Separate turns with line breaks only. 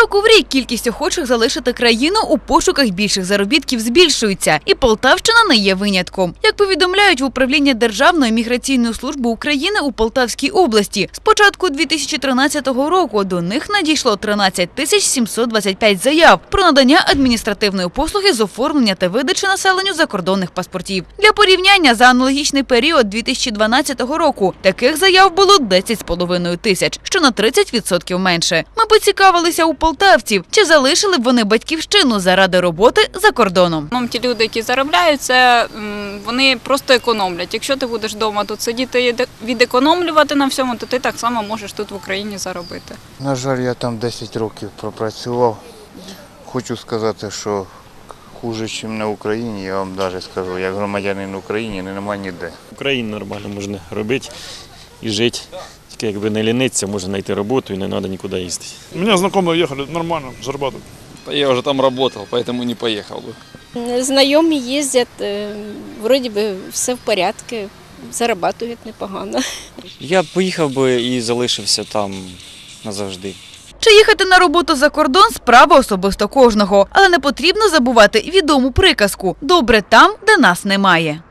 Року в рік кількість охочих залишити країну у пошуках більших заробітків збільшується, і Полтавщина не є винятком. Як повідомляють в управлінні Державної міграційної служби України у Полтавській області, з початку 2013 року до них надійшло 13 725 заяв про надання адміністративної послуги з оформлення та видачі населенню закордонних паспортів. Для порівняння, за аналогічний період 2012 року таких заяв було 10,5 тисяч, що на 30% менше. Ми поцікавилися у полтавців, чи залишили б вони батьківщину заради роботи за кордоном.
Ті люди, які заробляють, вони просто економлять. Якщо ти будеш вдома тут сидіти і відекономлювати на всьому, то ти так само можеш тут в Україні заробити.
На жаль, я там 10 років пропрацював. Хочу сказати, що хуже, ніж на Україні, я вам навіть скажу, як громадянин України немає ніде.
В Україні нормально можна робити і жити. Тільки якби не лінитися, можна знайти роботу і не треба нікуди їздити.
У меня знакомые ехали, нормально, зарабатывают.
Я уже там работал, поэтому не поехал бы.
Знайомі їздять, вроді би все в порядку, зарабатують непогано.
Я б поїхав би і залишився там назавжди.
Чи їхати на роботу за кордон – справа особисто кожного. Але не потрібно забувати відому приказку «добре там, де нас немає».